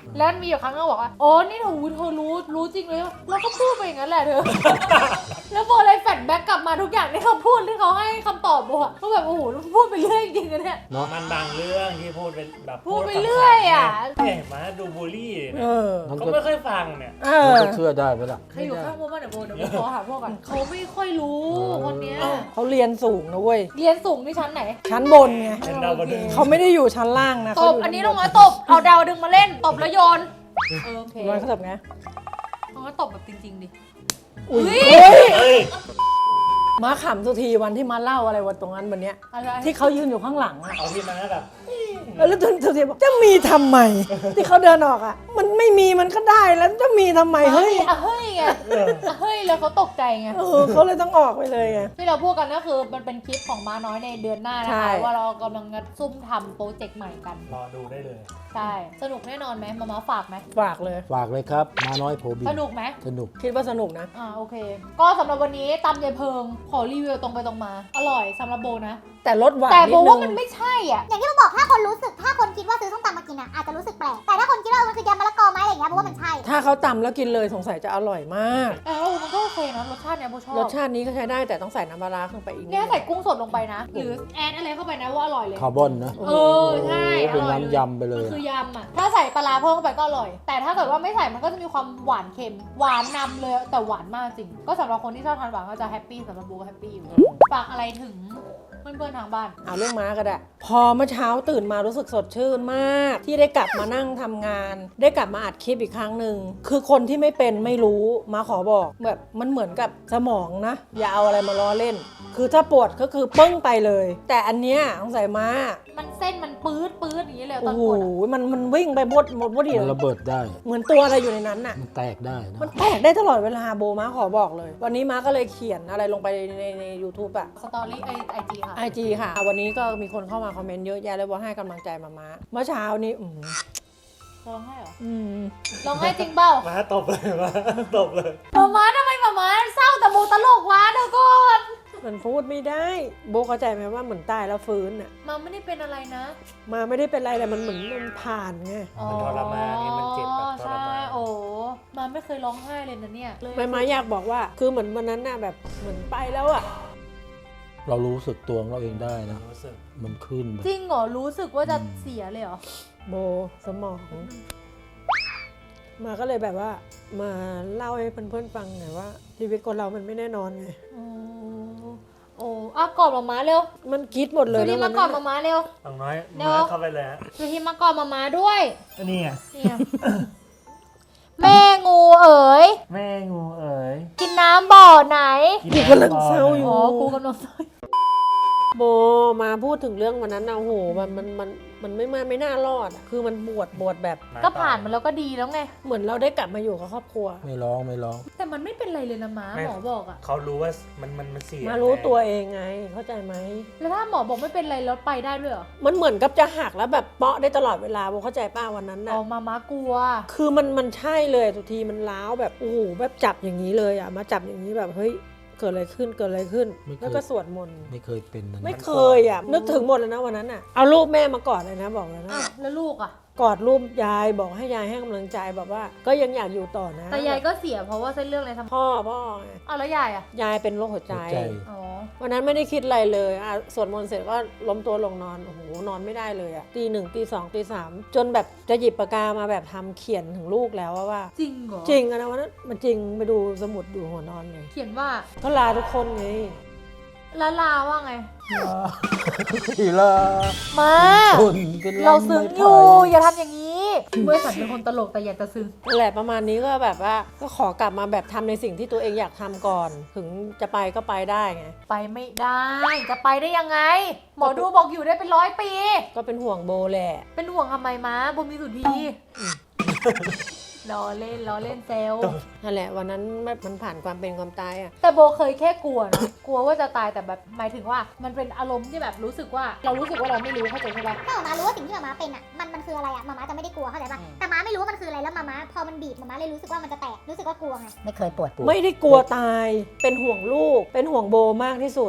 B: มีอยู่ครั้งนึงบอกว่าอ๋อนี่เธอเธอรู้รู้จริงเลยแล้วก็พูดไปอย่างนั้นแหละเธอ แล้วโบเลยแฟลชแบ็กกลับมาทุกอย่างที่เขาพูดที่เขาให้คำตอบโบอะก็แบบโอ้โหพูดไปเรื่อยจริงๆนะเนี่ย
F: เนาะ
C: มันบางเรื่องที่พูดเป็นแบบ
B: พูดไปเรื่อยอะ
C: เห็นไหมดูบูลลี่
A: เออ
F: มัน
C: เขา
F: ก็
C: ไม่ค่อยฟังเนี่ย
A: เอ
F: มัน
A: อ
F: ก็เชื่อได้ไหมล่ะ
B: ใครอยู่ข้างโบบ้างเดี๋ยวโบเดี๋ยวโบขอหาพวกก่อนเขาไม่ค่อยรู้คนเนี้ย
A: เขาเรียนสูงนะเว้ย
B: เรียนสูงที่ชั้นไหน
A: ชั้นบนไง
C: เป็นดาวดึง
A: เขาไม่ได้อยู่ชั้นล่างนะ
B: ต
A: เขา
B: บ
A: ยู่
B: อันนี้น้องน้อยตบเอาดาวดึงมาเล่นตบแล้วโยนเออโอเค
A: ร้อยเขาตบไง
B: น้องน้อยตบแบบจริงๆดิ
A: อุ้ย
B: เฮ้ย
C: เฮ้ย
A: มาขำทุกทีวันที่มาเล่าอะไรวันตรงนั้นวันเนี้ย
B: อะไร
A: ที่เขายืนอยู่ข้างหลังอะ
C: เอาที่มาแบบ
A: แล้วทุกทุกทีบอกจะมีทำไม ที่เขาเดินออกอะมันไม่มีมันก็ได้แล้วจะมีทำไมเฮ้ย
B: อ่ะเฮ้ยไง
C: เออ
B: อ่ะเฮ้ยแล้วเขาตกใจไง
A: เออเขาเลยต้องออกไปเลยไง
B: ที่เราพูดกันก็คือมันเป็นคลิปของม้าน้อยในเดือนหน้านะ
A: ใช่
B: คะว่าเรากำลังงัดซุ่มทำโปรเจกต์ใหม่กัน
C: รอดูได้เลย
B: ใช่สนุกแน่นอนไหมมามาฝากไหม
A: ฝากเลย
F: ฝากเลยครับ มาน้อยโพบิน
B: สนุกไหม
F: สนุก
A: คิดว่าสนุกนะ
B: อ่าโอเค ก็สำหรับวันนี้ตำยายเพิงขอรีวิวตรงไปตรงมา อร่อยสำหรับโบนะ
A: แต่รสหวาน
B: แต่
A: นิ
B: โบ
A: ดนึ
B: ว่าง มันไม่ใช่อ่ะ
D: อย่างที่เราบอกถ้าคนรู้สึกถ้าคนคิดว่าซื้อส้มตำมากินอ่ะอาจจะรู้สึกแปลกแต่ถ้าคนคิดว่ามันคือยำมะละกอไหมอะไรอย่างเงี้ยเพราะว่ามันใช่
A: ถ้าเขาตำแล้วกินเลยสงสัยจะอร่อยมาก
B: แต่ว่ามันก็โอเคนะรสชาติเนี้ยโบชอบ
A: รสชาตินี้ก็ใช้ได้แต่ต้องใส่น้ำปลาร้าลงไปอีกนิด
B: เนี่ยใส่กุ้งสดลงไปนะ หรือแอดอะไรเข้าไปนะว่าอร่อยเลย
F: คาร์บอนนะ
B: เออใช่อ
F: เป็น
B: ร่อยเลย
F: น้ำยำไปเลย
B: มัน
F: อะ
B: คือยำอ่ะ ถ้าใส่ปลาร้าเพิ่มเข้าไปก็อร่อย แต่ถ้าเกิดว่าไม่ใส่มันก็จะมีความหวานเค็ม หวานนำเลยแต่หวานมากจริง ก็สำหรับคนที่ชอบทานหวานก็จะแฮปปี้สำหรับโบก็แฮปปี้อยู่ฝากอะไรถึงเพื่อนๆทางบ้าน
A: เอาเรื่องม้าก็ได้ พอเมื่อเช้าตื่นมารู้สึกสดชื่นมาก ที่ได้กลับมานั่งทำงาน ได้กลับมาอัดคลิปอีกครั้งหนึ่งคือคนที่ไม่เป็นไม่รู้มาขอบอกแบบมันเหมือนกับสมองนะ อย่าเอาอะไรมาล้อเล่น คือถ้าปวดก็คือปึ้งไปเลย แต่อันเนี้ยสงสัยม้า
B: มันเส้นมันปื๊ดปื๊ดอย่างนี้เลยต
A: โอ้
B: อน
A: โห
B: ปวดอะ
A: มันมันวิ่งไปบดหมดบดเดีย
F: มัน
A: ว
F: ระเบิดได้
A: เหมือนตัวอะไรอยู่ในนั้นน่ะ
F: มันแตกได้นะ
A: มันแตกได้ตลอดเวลาโบม้าขอบอกเลย วันนี้ม้าก็เลยเขียนอะไรลงไปในใน ยูทูบ อะ
B: สตอรี่ไอไอจีค่ะ
A: ไอจีค่ะ วันนี้ก็มีคนเข้ามาคอมเมนต์เยอะแยะเลยว่าให้กำลังใจมาม้าเมื่อเช้านี้อืม
B: ร้องไห้เหรอ
A: อืม
B: ร้องไห้จริงเปล่า
C: มาตบเลยมาตบเลย
B: หมาม้าทำไมหมาม้าเศร้าแต่โบตลกวะเดี๋ยวก่อน
A: มันพูดไม่ได้ โบเข้าใจไหมว่าเหมือนตายแล้วฟื้นอะ
B: มาไม่ได้เป็นอะไรนะ
A: มาไม่ได้เป็นไรแต่มันเหมือนมันผ่านไง
C: มันทรมานไงมันเจ็บแบบทร
B: ใช่
C: มาน
B: โอ้มาไม่เคยร้องไห้เลยนะเนี่ยเลย
A: ไม่มาอยากบอกว่า คือเหมือนวันนั้นน่ะแบบเหมือนไปแล้วอะ
F: เรารู้สึกตัวของเราเองได้นะ
C: รู้สึก
F: มันขึ้นแบบ
B: จริงเหรอรู้สึกว่าจะเสียเลยเหรอ
A: โบสมอง มาก็เลยแบบว่า มาเล่าให้เพื่อนๆฟังหน่อยว่าชีวิตคนเรามันไม่แน่นอนไง
B: โอ้โอ้อ่ะกอดหมาม้าเร็ว
A: มันคิดหมดเลย
B: สุธี
A: นะ
B: มากอดห
A: วั
B: มาน ม้าเร็ว
C: ต้องน้อย
B: เดี๋ยว
C: น้อยเข้าไปเลยฮะ
B: สุธีมากอดหมาม้าด้วย
C: อันนี้ไง
B: เนี่ย แม่งูเอ๋ย
C: แม่งูเอ๋ย
B: กินน้ำบ่อไหน
A: กูกำลังเศร้าอยู่
B: อ๋อกูกำลัง
A: โบมาพูดถึงเรื่องวันนั้นนะโอ้โหมันมันมันมันไม่มาไม่น่ารอดอะคือมันปวดปวดแบบ
B: ก็ผ่านมาแล้วก็ดีแล้วไง
A: เหมือนเราได้กลับมาอยู่กับครอบครัว
F: ไม่ร้องไม่ร้อง
B: แต่มันไม่เป็นไรเลยนะม้าหมอบอกอะ
C: เขารู้ว่ามันมันมันเสีย
A: มารู้ตัวเองไงเข้าใจไหม
B: แล้วถ้าหมอบอกไม่เป็นไรแล้วไปได้ด้วยเหรอ
A: มันเหมือนกับจะหักแล้วแบบเปาะได้ตลอดเวลาโบเข้าใจป้าวันนั้น
B: อ๋
A: นะ
B: อมาม้ากลัว
A: คือมันมันใช่เลยทุกทีมันล้าวแบบโอ้โหแบบจับอย่างนี้เลยอ่ะมาจับอย่างนี้แบบเฮ้ยเกิดอะไรขึ้นเกิดอะไรขึ้น
F: ไม่เคย
A: แล้วก็สวดมนต์
F: ไม่เคยเป็นนะ
A: ไม่เคยอ่ะนึกถึงหมดเลยนะวันนั้นอ่ะเอารูปแม่มากอดเลยนะบอกเลยนะ
B: อ่ะแล้วลูกอะ
A: กอดรูปยายบอกให้ยายให้กำลังใจแบบว่า ก็ยังอยากอยู่ต่อนะ
B: แต่ยายก็เสียเพราะว่าเส้นเรื่องในสมอง
A: พ่อพ่อไง
B: อ้าวแล้วยายอะ
A: ยายเป็นโรคหัวใจ
F: หัวใจ
B: อ๋อ
A: วันนั้นไม่ได้คิดอะไรเลยอ่ะสวดมนต์เสร็จก็ล้มตัวลงนอนโอ้โหนอนไม่ได้เลยอ่ะตีหนึ่งตีสองตีสามจนแบบจะหยิบปากกามาแบบทำเขียนถึงลูกแล้วว่า
B: จริงเหรอ
A: จริงอะนะวันนั้นมันจริงไปดูสมุดอยู่หัวนอนเลย
B: เขียนว่า
A: ก็ลาทุกคนไง
B: ละลาว่าไง
F: ทีละ
B: มา
F: คนเป็นลำ
B: เราซึ้ง
F: ไม้
B: อยู่
F: ไผ่
B: อย่าทำอย่างนี้เมื่อสันเป็นคนตลกแต่อยากจะซึ้ง
A: นั่นแหละประมาณนี้ก็แบบว่าก็ขอกลับมาแบบทำในสิ่งที่ตัวเองอยากทำก่อน ถึงจะไปก็ไปได้ไง
B: ไปไม่ได้ จะไปได้ยังไง หมอดูบอกอยู่ได้เป็นร้อยปี
A: ก็เป็นห่วงโบแหละ
B: เป็นห่วงทำไมมาบุญมีสุธีล้อเล่นล้อเล่นเซล
A: นั่นแหละวันนั้นแบบมันผ่านความเป็นความตายอะ
B: แต่โบเคยแค่กลัวนะ กลัวว่าจะตายแต่แบบหมายถึงว่ามันเป็นอารมณ์ที่แบบรู้สึกว่า เรารู้สึกว่าเราไม่รู้เข้าใจใช่ปะ
D: ถ้าหมาม้ารู้ว่าสิ่งที่หมาม้าเป็นอ่ะมันมันคืออะไรอ่ะหมาม้าจะไม่ได้กลัวเข้าใจป่ะแต่หม้าไม่รู้ว่ามันคืออะไรแล้วหมาม้าพอมันบีบหมาม้าเลยรู้สึกว่ามันจะแตกรู้สึกว่ากลัวไง
G: ไม่เคยปวด
A: ไม่ได้กลัวตาย เป็นห่วงลูก เป็นห่วงโบมากที่สุด
B: ทำไม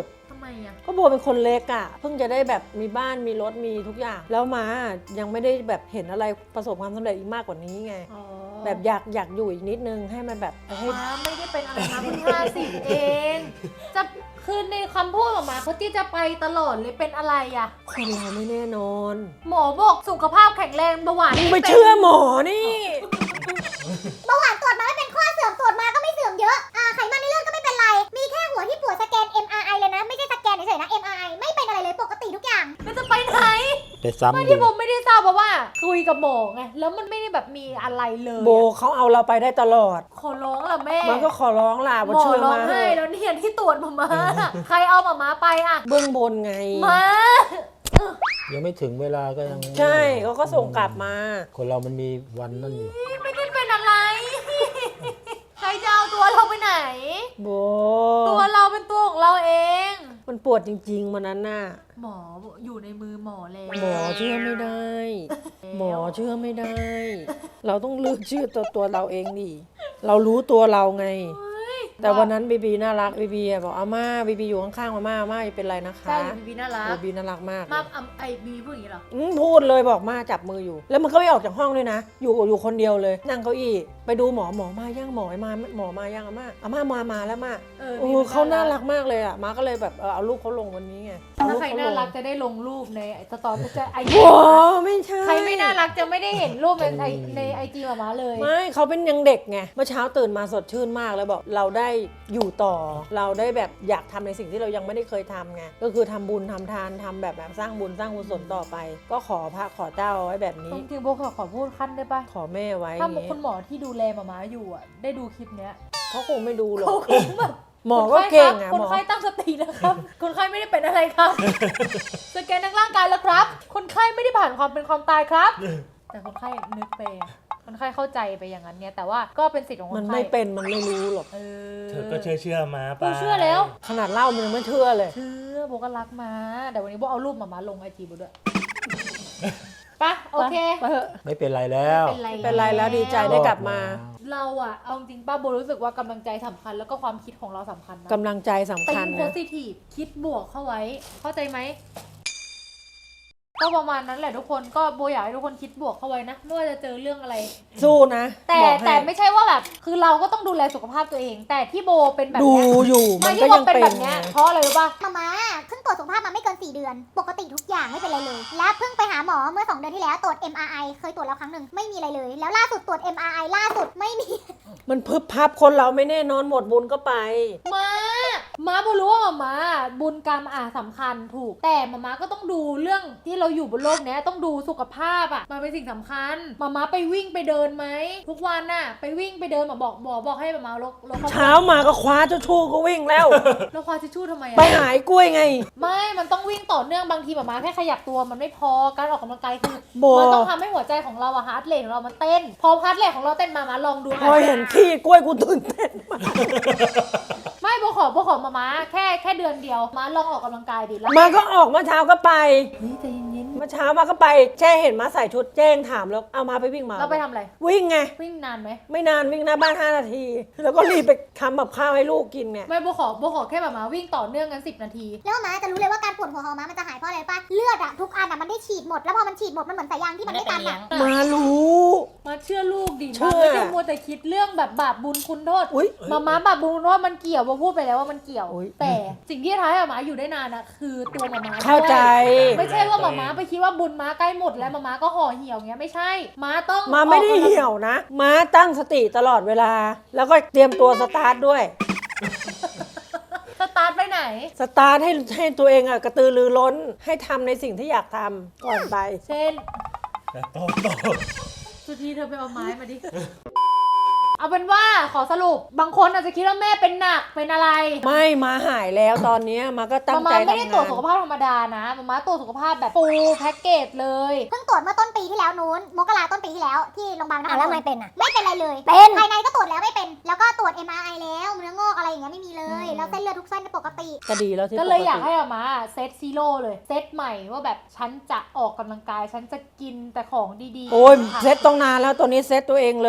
B: ไมอ่ะ
A: ก็โบเป็นคนเล็กอะ่ะเพิ่งจะได้แบบมีบ้านมีรถมีทุกอย่าง แล้วมายังไม่ได้แบบเห็นอะไรประสบความสำเร็จอีกมากกว่านี้ไง
B: อ๋อ
A: แบบอยากอยากอยู่อีกนิดนึงให้มันแบบให้
B: ม้าไม่ได้เป็นอะไรนะเพิ่งห้าสิบเอง จะคือในคำพูดของม้าเขาที่จะไปตลอดเลยเป็นอะไรอ่ะ
A: คนเราไม่แน่นอน
B: หมอบอกสุขภาพแข็งแรงเบาหวาน
A: มึงไปเชื่อหมอนี่
D: เบาหวานตรวจมาไม่เป็นข้อเสื่อมตรวจมาก็ไม่เสื่อมเยอะอ่าไขมันในเลือดก็ไม่เป็นไรมีแค่หัวที่ปวดสแกน เอ็ม อาร์ ไอ เลยนะไม่ใช่สแกนเฉยๆนะ เอ็ม อาร์ ไอ ไม่เป็นอะไรเลยปกติทุกอย่าง
B: มันจะไปไหน
F: ไปซ้ำ
B: ไม่
F: ดู
B: ที่ผมไม่ได้ทราบเพราะว่า คุยกับหมอไงแล้วมันไม่ได้แบบมีอะไรเลย
A: โบเขาเอาเราไปได้ตลอด
B: ขอร้องล่ะแม่
A: มันก็ขอร้องล่ะ
B: ห
A: ว่าม
B: อ
A: ช่วย
B: ร้อง
A: มาเถ
B: ไห้
A: อะ
B: แล้วเนี่ยที่ตรวจมามาใครเอามามาไปอ่ะ
A: เบื้องบนไง
B: มา
F: ยังไม่ถึงเวลาก็ยัง
A: ใช่เขาก็ส่งกลับมา
F: คนเรามันมีวันนั่นอยู่
B: ไม่ได้เป็นอะไร ใครจะเอาตัวเราไปไหน
A: โบ
B: ตัวเราเป็นตัวของเราเอง
A: มันปวดจริงๆมันนั้นน่ะ
B: หมออยู่ในมือหมอแล้ว
A: หมอเชื่อไม่ได้ หมอเชื่อไม่ได้ เราต้องเลือกเชื่อตัวตัวเราเองดิ เรารู้ตัวเราไง แต่วันนั้นบีบีน่ารักบีบีบอกอาม่าบีบีอยู่ข้างๆมาม่าอาม่าอย่าเป็นไรนะคะ
B: ใช่บีบีน่ารัก
A: บีบีน่ารักมาก
B: มาอ่ะไอบีพูดอย่างนี้เหรอ
A: อืมพูดเลยบอกมาจับมืออยู่ แล้วมันก็ไม่ออกจากห้องด้วยนะ อยู่อยู่คนเดียวเลย นั่งเก้าอี้ไปดูหมอหมอมาย่างหมอมาหมอมาย่างอาม่าอาม่ามามาแล้วมา
B: เออ
A: โอ้เขาน่ารักมากเลยอ่ะมาก็เลยแบบเออเอารูปเขาลงวันนี้ไงเอ
B: ถ้า
A: ป
B: ใคร
A: เข
B: น่า
A: ลง
B: รักจะได้ลงรูปในสตอรี่จะไอ
A: โอ้ไม่ใช่
B: ใครไม่น่ารักจะไม่ได้เห็นรูปในไอในไอจีมามาเลย
A: ไม่เขาเป็นยังเด็กไงเมื่อเช้าตื่นมาสดชื่นมากแล้วบอกเราได้อยู่ต่อ เราได้แบบอยากทำในสิ่งที่เรายังไม่ได้เคยทำไงก็คือทำบุญทำทานทำแบบแบบสร้างบุญสร้างกุศลต่อไป ก็ขอพระขอเจ้าเอาไว้แบบนี้
B: จริงๆโบขอขอพูดขั้นได้ปะ
A: ขอแม่ไว้
B: ถ้า
A: อย่างงี้
B: คุณหมอที่ดูแลมามาอยู่อ่ะ ได้ดูคลิปเนี้ย
A: เขาคงไม่ดูหรอก
B: เขาคงแบบ
A: หมอก็เก่งอ่ะ
B: คน
A: หมอ
B: ไข้ตั้งสตินะครับ คนไข้ไม่ได้เป็นอะไรครับ สแกนทางร่างกายแล้วครับ คนไข้ไม่ได้ผ่านความเป็นความตายครับ แต่คนไข้นึกไปอะคนไข้เข้าใจไปอย่างนั้นไงแต่ว่าก็เป็นสิทธิ์ของค
A: มัน
B: นไข้
A: ไม่เป็นมันไม่รู้หรอก
B: เออ
C: เธอก็เชื่อเชื่อมาไป
B: กูเชื่อแล้ว
A: ขนาดเล่ามันยังไม่เชื่อเลย
B: เชื่อโบก็รักมาแต่วันนี้โบเอารูปมามาลงไอจีโบด้วยปะโอเค
A: ไปเถอะ
F: ไม่เป็นไรแล้ว
B: เป็นไร
A: เป็นไรแล้วดีใจได้กลับมา
B: เราอะเอาจริงป้าโบรู้สึกว่ากำลังใจสำคัญแล้วก็ความคิดของเราสำคัญนะ
A: กำลังใจสำ
B: ติ
A: คัญ
B: งโพ
A: นะ
B: สิทีฟคิดบวกเข้าไว้ เข้าใจไหมก็ประมาณนั้นแหละทุกคนก็โบอยากให้ทุกคนคิดบวกเข้าไว้นะไม่ว่าจะเจอเรื่องอะไร
A: สู้นะ
B: แต่
A: บอกให้
B: แต่ไม่ใช่ว่าแบบคือเราก็ต้องดูแลสุขภาพตัวเอง แต่ที่โบเป็นแบบ
A: ดู
B: เนี้ย
A: อยู่
B: ไม่
A: มัน
B: ที่
A: ก็
B: โบ
A: ยัง
B: เป็น
A: เป็น
B: แบบเนี้ย
A: ไง
B: เพราะอะไรรู้ป่ะ
D: มาม่าเพิ่งตรวจสุขภาพมาไม่เกินสี่เดือน ปกติทุกอย่างไม่เป็นไรเลย และเพิ่งไปหาหมอเมื่อสองเดือนที่แล้วตรวจ เอ็ม อาร์ ไอ เคยตรวจแล้วครั้งหนึ่งไม่มีอะไรเลย แล้วล่าสุดตรวจ เอ็ม อาร์ ไอ ล่าสุดไม่มี
A: มันพึบพับคนเราไม่แน่นอนหมดบุญก็ไป
B: มาม้าโบรู้ว่ามาบุญกรรมอ่ะสำคัญถูก แต่มาม้าก็ต้องดูเรื่องที่เราอยู่บนโลกเนี้ยต้องดูสุขภาพอ่ะมันเป็นสิ่งสำคัญมาม้าไปวิ่งไปเดินไหมทุกวันน่ะไปวิ่งไปเดินมาบอกบอกบอกให้มาม้าลดลดความ
A: เช้ามาก็คว้าเจ้าชู้ก็วิ่งแล้ว
B: แล้วควาทิชชู่ทำไมอ่ะ
A: ไปหายกล้วยไง
B: ไม่ มันต้องวิ่งต่อเนื่องบางทีแบบมาแค่ขยับตัวมันไม่พอ การออกกำลังกายคือ
A: โบ
B: มันต้องทำให้หัวใจของเราอะฮาร์ดเรทของเรามันเต้น พอฮาร์ดเรทของเราเต้นมามาลองดู
A: พอเห็นขี้กล้วยกูตื่นเต้นมาก
B: ไม่โบขอโบขอมามาแค่แค่เดือนเดียว มาลองออกกำลังกายดิแล้ว
A: มาก็ออกเมื่อเช้าก็ไป
B: เฮ้ยใจเย็น
A: เมื่อเช้ามาก็ไปแจ้เห็นมาใส่ชุดแจ้งถามแล้วเอามาไปวิ่งมา
B: ๆเราไปทำอะไร
A: วิ่งไง
B: วิ่งนานไหม
A: ไม่นานวิ่งหน้าบ้านห้านาที แล้วก็รีบไปทำแบบข้าวให้ลูกกินเนี่ย
B: ไม่โบขอโบขอแค่แบบมาวิ่งต่อเนื่องกันสิบนาที
D: แล้วมาจะรู้เลยว่าการปวดหัวของมามันจะหายเพราะอะไรป่ะ เลือดอะทุกอันอะมันได้ฉีดหมด แล้วพอมันฉีดหมดมันเหมือนสายยางที่มันไม่ตันอะ
A: มารู้
B: มาเชื่อลูกดิ
A: เชื่
B: มา
A: อ
B: ไม่ใช่มัวแต่คิดเรื่องแบบบาปบุญคุณโทษ
A: อุ๊ย
B: มาม้าบาปบุญคุณโทษมันเกี่ยวโบพูดไปแล้วว่ามันเกี่ยว
A: อุ๊ย
B: แต่สิ่งที่ทำให้มาม้าอยู่ได้นานอะคือตัวมาม้า
A: เข้าใจ
B: ด้วย ไม่ใช่ว่าหมาม้าไปคิดว่าบุญม้าใกล้หมดแล้วหมาม้าก็ห่อเหี่ยวเงี้ยไม่ใช่ ม้าต้อง
A: มาไม่ได้
B: ออกกำลัง
A: เหี่ยวนะ มาตั้งสติตลอดเวลา แล้วก็เตรียมตัวสตาร์ทด้วย
B: สตาร์ทไปไหน
A: สตาร์ทให้ให้ตัวเองอะกระตือรือร้นให้ทำในสิ่งที่อยากทำก่อนไป
B: เช่น
C: โตโต
B: สุธีเธอไปเอาไม้มาดิ เอาเป็นว่าขอสรุปบางคนอาจจะคิดว่าแม่เป็นหนักเป็นอะไร
A: ไม่มาหายแล้วตอนเนี้ยมาก็ตั้
B: มาง
A: ใจ
B: ม่า
A: ทำ
B: ไม่ได้ตรวจ
A: งาน
B: สุขภาพธรรมดานะมาม่าตรวจสุขภาพแบบฟูลแพ็กเกจเลย
D: เพิ่งตรวจเมื่อต้นปีที่แล้วนู้น มกราต้นปีที่แล้วที่โรงพยาบาลนคร
G: อ่ะแล้วไม่เป็นอ่ะ
D: ไม่เป็นอะไรเลย
G: เป็น
D: ภายในก็ตรวจแล้วไม่เป็น แล้วก็ตรวจ เอ็ม อาร์ ไอ แล้วเนื้องอกอะไรอย่างเงี้ยไม่มีเลย แล้วเส้นเลือดทุกเส้นเป็นปกติ
A: ก็ดีแล้วที่
B: ก็เลย
A: ปติ
B: อยากให้มาม่าเซตซีโร่เลย เซตใหม่ว่าแบบฉันจะออกกำลังกาย ฉันจะกินแต่ของดีๆ
A: โอ้ย
B: ค่ะ
A: เซ็ตต้องนานแล้วตัวนี้เซ็ตตัวเองเลย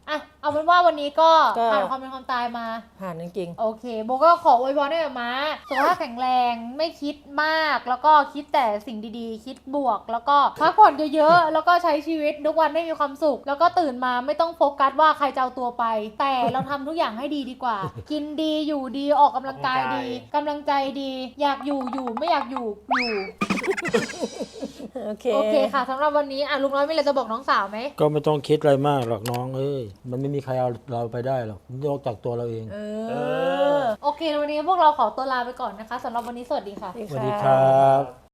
B: อ่ะเอาเป็นว่าวันนี้ก็
A: ก็
B: ผ่านความเป็นความตายมา
A: ผ่านจริง
B: โอเคโบก็ขออวยพรให้กับม้าสุขภาพแข็งแรงไม่คิดมากแล้วก็คิดแต่สิ่งดีๆ คิดบวก แล้วก็พักผ่อนเยอะๆแล้วก็ใช้ชีวิตทุกวันให้มีความสุข แล้วก็ตื่นมาไม่ต้องโฟกัสว่าใครจะเอาตัวไป แต่เราทำทุกอย่างให้ดีดีกว่า กินดีอยู่ดีออกกำลังกายดีกำลังใจดี อยากอยู่อยู่ไม่อยากอยู่อยู่
A: ๆ โอเค
B: โอเคค่ะสำหรับวันนี้อ่ะลุงน้อยมีอะไรจะบอกน้องสาวไหม
F: ก็ไม่ต้องคิดอะไรมากหรอกน้องเอ้ยมันไม่มีใครเอาเราไปได้หรอกนอกจากตัวเราเอง
B: เอ
C: เอ
B: อ
C: อ
B: โอเควันนี้พวกเราขอตัวลาไปก่อนนะคะสำหรับวันนี้สวัสดีค่ะ
F: สวัสดีครับ